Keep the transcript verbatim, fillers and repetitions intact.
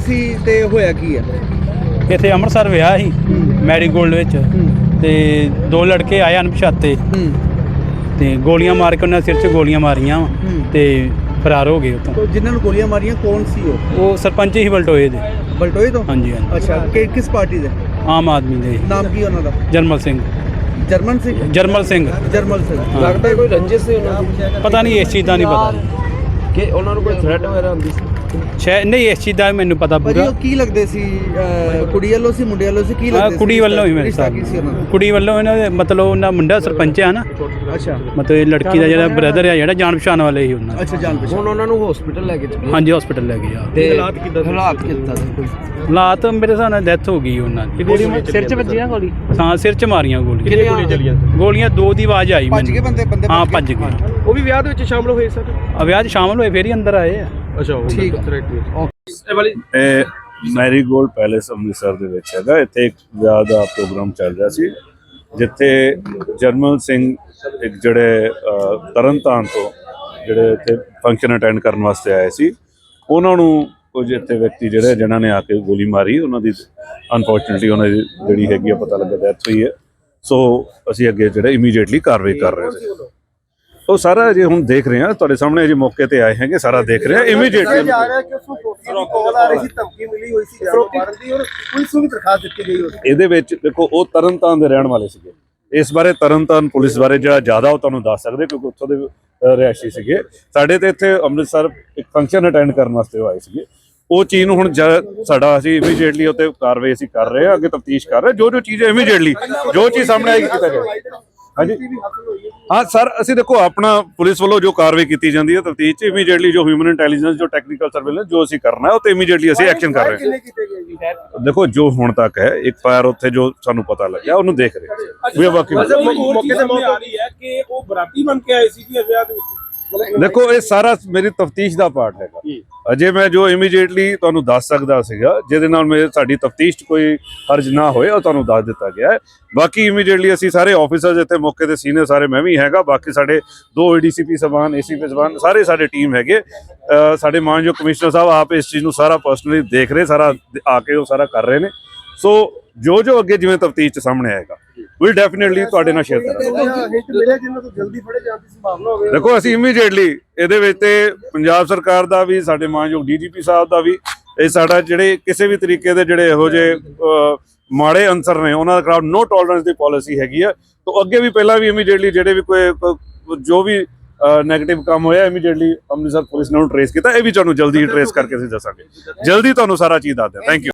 ਸੀ ਤੇ ਹੋਇਆ ਕੀ ਹੈ? ਇੱਥੇ ਅੰਮ੍ਰਿਤਸਰ ਵਿਆਹ ਸੀ ਮੈਰੀਗੋਲਡ ਵਿੱਚ ਤੇ ਦੋ ਲੜਕੇ ਆਏ ਅਣਪਛਾਤੇ ਤੇ ਗੋਲੀਆਂ ਮਾਰ ਕੇ ਉਹਨਾਂ ਸਿਰ 'ਚ ਗੋਲੀਆਂ ਮਾਰੀਆਂ ਤੇ ਫਰਾਰ ਹੋ ਗਏ ਉੱਥੋਂ। तो जिन्होंने गोलियां मारियां कौन सी हो? ਉਹ ਸਰਪੰਚ ਹੀ ਬਲਟੋਏ ਦੇ। बलटोई तो? ਹਾਂਜੀ ਹਾਂਜੀ अच्छा कि किस पार्टी दे? ਆਮ ਆਦਮੀ ਦੇ। नाम की उन्होंने? ਜਰਮਲ ਸਿੰਘ। जर्मन सिंह? ਜਰਮਲ ਸਿੰਘ। जर्मल सिंह। ਲੱਗਦਾ ਕੋਈ ਰੰਜਿਸ਼ ਸੀ ਉਹਨਾਂ ਦੀ? ਪਤਾ ਨਹੀਂ ਇਸ ਚੀਜ਼ ਦਾ ਨਹੀਂ ਪਤਾ ਕਿ ਉਹਨਾਂ ਨੂੰ ਕੋਈ ਥ੍ਰੈਟ ਵਗੈਰਾ ਹੁੰਦੀ ਸੀ? ਸ਼ਾਇਦ ਨਹੀਂ ਇਸ ਚੀਜ਼ ਦਾ ਮੈਨੂੰ ਪਤਾ ਭਾਜੀ ਪੂਰਾ। ਉਹ ਕੀ ਲੱਗਦੇ ਸੀ? ਕੁੜੀ ਵੱਲੋਂ ਸੀ ਮੁੰਡੇ ਵੱਲੋਂ ਸੀ? ਕੀ ਹਾਂ ਲੱਗਦੇ ਸੀ? ਕੁੜੀ ਵੱਲੋਂ ਹੀ ਮੇਰੇ ਰਿਸ਼ਤਾ ਸਾਥ ਕੀ ਸੀ ਉਹਨਾਂ ਦਾ? ਕੁੜੀ ਵੱਲੋਂ ਇਹਨਾਂ ਦੇ ਮਤਲਬ ਉਹਨਾਂ ਮੁੰਡਾ ਸਰਪੰਚ ਆ ਨਾ, ਅੱਛਾ ਮਤਲਬ ਇਹ ਲੜਕੀ ਦਾ ਜਿਹੜਾ ਬ੍ਰਦਰ ਆ ਜਿਹੜਾ ਜਾਣ ਪਛਾਣ ਵਾਲੇ ਹੀ ਉਹਨਾਂ ਦੇ। ਅੱਛਾ ਜਾਣ ਪਛਾਣ। ਹੁਣ ਉਹਨਾਂ ਨੂੰ ਹਸਪੀਟਲ ਲੈ ਕੇ ਚੱਲੇ? ਹਾਂਜੀ ਹਸਪੀਟਲ ਲੈ ਗਏ ਆ। ਤੇ ਹਾਲਾਤ ਕਿੱਦਾਂ ਹਾਲਾਤ ਕਿੱਦਾਂ ਸੀ ਕੋਈ? ਹਾਲਾਤ ਮੇਰੇ ਹਿਸਾਬ ਨਾਲ ਡੈਥ ਹੋ ਗਈ ਉਹਨਾਂ ਦੀ। ਸਿਰ 'ਚ ਵੱਜੀ ਨਾ ਗੋਲੀ? ਹਾਂ ਸਿਰ 'ਚ ਮਾਰੀਆਂ ਗੋਲੀਆਂ। ਕਿੰਨੀਆਂ ਗੋਲੀਆਂ ਚੱਲੀਆਂ? ਗੋਲੀਆਂ ਦੋ ਦੀ ਆਵਾਜ਼ ਆਈ ਭੱਜ ਗਏ ਬੰਦੇ ਬੰਦੇ ਹਾਂ ਭੱਜ ਗਏ। ਉਹ ਵੀ ਵਿਆਹ ਦੇ ਵਿੱਚ ਸ਼ਾਮਲ ਹੋਏ ਸਰ? ਆ ਵਿਆਹ 'ਚ ਸ਼ਾਮਲ ਹੋਏ ਫੇਰ ਹੀ ਅੰਦਰ ਆਏ ਆ। ਅੱਛਾ ਠੀਕ ਆ। ਇਹ ਮੈਰੀਗੋਲਡ ਪੈਲੇਸ ਅੰਮ੍ਰਿਤਸਰ ਦੇ ਵਿੱਚ ਹੈਗਾ। ਇੱਥੇ ਇੱਕ ਵਿਆਹ ਦਾ ਪ੍ਰੋਗਰਾਮ ਚੱਲ ਰਿਹਾ ਸੀ ਜਿੱਥੇ ਜਰਮਲ ਸਿੰਘ ਇੱਕ ਜਿਹੜੇ ਤਰਨਤਾਰਨ ਤੋਂ ਜਿਹੜੇ ਇੱਥੇ ਫੰਕਸ਼ਨ ਅਟੈਂਡ ਕਰਨ ਵਾਸਤੇ ਆਏ ਸੀ, ਉਹਨਾਂ ਨੂੰ ਕੁਝ ਇੱਥੇ ਵਿਅਕਤੀ ਜਿਹੜੇ ਜਿਨ੍ਹਾਂ ਨੇ ਆ ਕੇ ਗੋਲੀ ਮਾਰੀ, ਉਹਨਾਂ ਦੀ ਅਨਫੋਰਚੂਨੇਟਲੀ ਉਹਨਾਂ ਦੀ ਜਿਹੜੀ ਹੈਗੀ ਆ ਪਤਾ ਲੱਗਾ ਡੈਥ ਹੋਈ ਹੈ। ਸੋ ਅਸੀਂ ਅੱਗੇ ਜਿਹੜੇ ਇਮੀਡੀਏਟਲੀ ਕਾਰਵਾਈ ਕਰ ਰਹੇ ਸੀ। ਉਹ ਸਾਰਾ ਜੇ ਹੁਣ ਦੇਖ ਰਹੇ ਹਾਂ ਤੁਹਾਡੇ ਸਾਹਮਣੇ ਜੇ ਮੌਕੇ ਤੇ ਆਏ ਹੈਗੇ, ਸਾਰਾ ਦੇਖ ਰਹੇ ਹਾਂ ਇਮੀਡੀਏਟਲੀ। ਇਹਦੇ ਵਿੱਚ ਦੇਖੋ ਉਹ ਤਰਨਤਾਰਨ ਦੇ ਰਹਿਣ ਵਾਲੇ ਸੀਗੇ। ਇਸ ਬਾਰੇ ਤਰਨਤਾਰਨ ਪੁਲਿਸ ਬਾਰੇ ਜਿਹੜਾ ਜ਼ਿਆਦਾ ਉਹ ਤੁਹਾਨੂੰ ਦੱਸ ਸਕਦੇ ਕਿਉਂਕਿ ਉੱਥੋਂ ਦੇ ਰਿਹਾਇਸ਼ੀ ਸੀਗੇ। ਸਾਡੇ ਤੇ ਇੱਥੇ ਅੰਮ੍ਰਿਤਸਰ ਇੱਕ ਫੰਕਸ਼ਨ ਅਟੈਂਡ ਕਰਨ ਵਾਸਤੇ ਆਏ ਸੀਗੇ। ਉਹ ਚੀਜ਼ ਨੂੰ ਹੁਣ ਸਾਡਾ ਅਸੀਂ ਇਮੀਡੀਏਟਲੀ ਉੱਤੇ ਕਾਰਵਾਈ ਅਸੀਂ ਕਰ ਰਹੇ ਹਾਂ, ਅੱਗੇ ਤਫਤੀਸ਼ ਕਰ ਰਹੇ ਜੋ ਜੋ ਚੀਜ਼ ਇਮੀਡੀਏਟਲੀ ਜੋ ਚੀਜ਼ ਸਾਹਮਣੇ ਆਏਗੀ ਕੀਤਾ ਜਾਏਗਾ। ਹਾਂਜੀ ਹਾਂ ਸਰ, ਅਸੀਂ ਦੇਖੋ ਆਪਣਾ ਪੁਲਿਸ ਵੱਲੋਂ ਜੋ ਕਾਰਵਾਈ ਕੀਤੀ ਜਾਂਦੀ ਹੈ ਤਫਤੀਸ਼ 'ਚ ਇਮੀਡੀਏਟਲੀ ਜੋ ਹਿਊਮਨ ਇੰਟੈਲੀਜੈਂਸ ਜੋ ਟੈਕਨੀਕਲ ਸਰਵੇਲੈਂਸ ਜੋ ਅਸੀਂ ਕਰਨਾ ਹੈ ਉਹ ਤੇ ਇਮੀਡੀਏਟਲੀ ਅਸੀਂ ਐਕਸ਼ਨ ਕਰ ਰਹੇ ਹਾਂ। ਦੇਖੋ ਜੋ ਹੁਣ ਤੱਕ ਹੈ ਇੱਕ ਫਾਇਰ ਉੱਥੇ ਜੋ ਸਾਨੂੰ ਪਤਾ ਲੱਗਿਆ ਉਹਨੂੰ ਦੇਖ ਰਹੇ ਹਾਂ। ਵੀ ਬਾਕੀ ਮੌਕੇ ਤੇ ਮੌਤ ਆ ਰਹੀ ਹੈ ਕਿ ਉਹ ਬਰਾਤੀ ਬਣ ਕੇ ਆਏ ਸੀ ਜੀ ਵਿਆਹ ਦੇ ਵਿੱਚ। ਦੇਖੋ ਇਹ ਸਾਰਾ ਮੇਰੀ ਤਫਤੀਸ਼ ਦਾ ਪਾਰਟ ਹੈਗਾ। ਅਜੇ ਮੈਂ ਜੋ ਇਮੀਡੀਏਟਲੀ ਤੁਹਾਨੂੰ ਦੱਸ ਸਕਦਾ ਸੀਗਾ ਜਿਹਦੇ ਨਾਲ ਮੇਰੇ ਸਾਡੀ ਤਫਤੀਸ਼ 'ਚ ਕੋਈ ਹਰਜ ਨਾ ਹੋਏ ਉਹ ਤੁਹਾਨੂੰ ਦੱਸ ਦਿੱਤਾ ਗਿਆ ਹੈ। ਬਾਕੀ ਇਮੀਡੀਏਟਲੀ ਅਸੀਂ ਸਾਰੇ ਆਫੀਸਰਸ ਇੱਥੇ ਮੌਕੇ ਤੇ ਸੀਨੀਅਰ ਸਾਰੇ ਮੈਂ ਵੀ ਹੈਗਾ, ਬਾਕੀ ਸਾਡੇ ਦੋ ਏਡੀਸੀਪੀ ਸਬਾਨ ਏਸੀਪੀ ਸਬਾਨ ਸਾਰੇ ਸਾਡੇ ਟੀਮ ਹੈਗੇ। ਸਾਡੇ ਮਾਨਯੋਗ ਕਮਿਸ਼ਨਰ ਸਾਹਿਬ ਆਪ ਇਸ ਚੀਜ਼ ਨੂੰ ਸਾਰਾ ਪਰਸਨਲੀ ਦੇਖ ਰਹੇ, ਸਾਰਾ ਆ ਕੇ ਉਹ ਸਾਰਾ ਕਰ ਰਹੇ ਨੇ। ਸੋ ਜੋ ਜੋ ਅੱਗੇ ਜਿਵੇਂ ਤਫਤੀਸ਼ 'ਚ ਸਾਹਮਣੇ ਆਏਗਾ ਵੀ ਡੈਫੀਨੇਟਲੀ ਤੁਹਾਡੇ ਨਾਲ ਸ਼ੇਅਰ ਕਰਾਂਗੇ। ਦੇਖੋ ਅਸੀਂ ਇਮੀਡੀਏਟਲੀ ਇਹਦੇ ਵਿੱਚ ਤੇ ਪੰਜਾਬ ਸਰਕਾਰ ਦਾ ਵੀ ਸਾਡੇ ਮਾਨਯੋਗ ਡੀਜੀਪੀ ਸਾਹਿਬ ਦਾ ਵੀ ਇਹ ਸਾਡਾ ਜਿਹੜੇ ਕਿਸੇ ਵੀ ਤਰੀਕੇ ਦੇ ਜਿਹੜੇ ਇਹੋ ਜਿਹੇ ਮਾੜੇ ਅਨਸਰ ਨੇ ਉਹਨਾਂ ਦੇ ਖਿਲਾਫ ਨੋ ਟੋਲਰੈਂਸ ਦੀ ਪਾਲਿਸੀ ਹੈਗੀ ਆ। ਤੋਂ ਅੱਗੇ ਵੀ ਪਹਿਲਾਂ ਵੀ ਇਮੀਡੀਏਟਲੀ ਜਿਹੜੇ ਵੀ ਕੋਈ ਜੋ ਵੀ ਨੈਗੇਟਿਵ ਕੰਮ ਹੋਇਆ ਇਮੀਡੀਏਟਲੀ ਅੰਮ੍ਰਿਤਸਰ ਪੁਲਿਸ ਨੇ ਉਹਨੂੰ ਟਰੇਸ ਕੀਤਾ। ਇਹ ਵੀ ਤੁਹਾਨੂੰ ਜਲਦੀ ਟਰੇਸ ਕਰਕੇ ਅਸੀਂ ਦੱਸਾਂਗੇ, ਜਲਦੀ ਤੁਹਾਨੂੰ ਸਾਰਾ ਚੀਜ਼ ਦੱਸ ਦਿਆਂ। Thank you.